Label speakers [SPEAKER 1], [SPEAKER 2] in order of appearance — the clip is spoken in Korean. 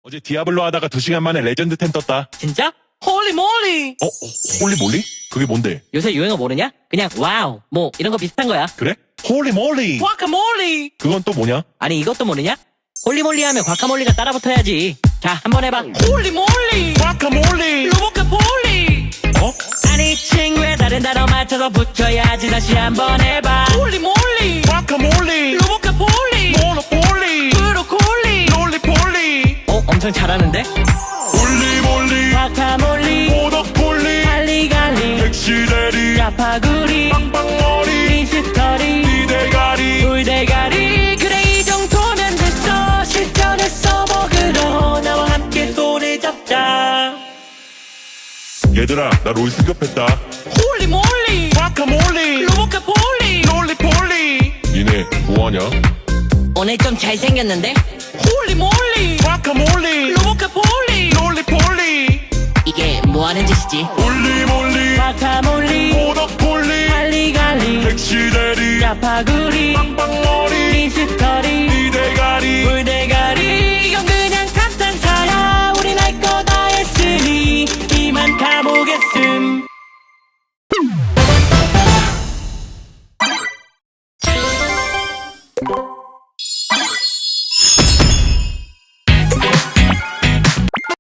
[SPEAKER 1] 어제 디아블로 하다가 2시간 만에 레전드 10 떴다.
[SPEAKER 2] 진짜? 홀리 몰리!
[SPEAKER 1] 홀리 몰리? 그게 뭔데?
[SPEAKER 2] 요새 유행어 모르냐? 그냥 와우 뭐 이런 거 비슷한 거야.
[SPEAKER 1] 그래? 홀리 몰리!
[SPEAKER 2] 과카몰리!
[SPEAKER 1] 그건 또 뭐냐?
[SPEAKER 2] 아니 이것도 모르냐? 홀리몰리 하면 과카몰리가 따라 붙어야지. 자 한번 해봐. 홀리몰리!
[SPEAKER 1] 과카몰리!
[SPEAKER 2] 로보카폴리!
[SPEAKER 1] 어?
[SPEAKER 2] 아니 친구의 다른 단어 맞춰서 붙여야지. 다시 한번 해봐. 홀리몰리!
[SPEAKER 1] 과카몰리!
[SPEAKER 2] 로보카폴리!
[SPEAKER 1] 모노폴리!
[SPEAKER 2] 브로콜리!
[SPEAKER 1] 롤리폴리!
[SPEAKER 2] 엄청 잘하는데?
[SPEAKER 1] 홀리 몰리!
[SPEAKER 2] 과카몰리!
[SPEAKER 1] 모노폴리!
[SPEAKER 2] 갈리갈리!
[SPEAKER 1] 백시대리!
[SPEAKER 2] 야파구리!
[SPEAKER 1] 빵빵머리!
[SPEAKER 2] 미스터리!
[SPEAKER 1] 니대가리!
[SPEAKER 2] 돌대가리. 그래 이 정도면 됐어. 실전에 써먹으러 나와 함께 손을 잡자.
[SPEAKER 1] 얘들아, 나 롤 승급했다.
[SPEAKER 2] 홀리몰리!
[SPEAKER 1] 과카몰리!
[SPEAKER 2] 로보카폴리!
[SPEAKER 1] 롤리폴리! 니네 뭐하냐?
[SPEAKER 2] 오늘 좀 잘생겼는데? 홀리몰리!
[SPEAKER 1] 과카몰리!
[SPEAKER 2] 로보카폴리!
[SPEAKER 1] 롤리폴리!
[SPEAKER 2] 이게 뭐하는 짓이지?
[SPEAKER 1] 홀리몰리!
[SPEAKER 2] 과카몰리!
[SPEAKER 1] 모노폴리!
[SPEAKER 2] 갈리갈리!
[SPEAKER 1] 백시대리!
[SPEAKER 2] 야파구리!
[SPEAKER 1] 빵빵머리!
[SPEAKER 2] 미스터리!
[SPEAKER 1] 니대가리!
[SPEAKER 2] 돌대가리. 이건 그냥 감탄사야. 우린 할 거 다 했으니 이만 가보겠음.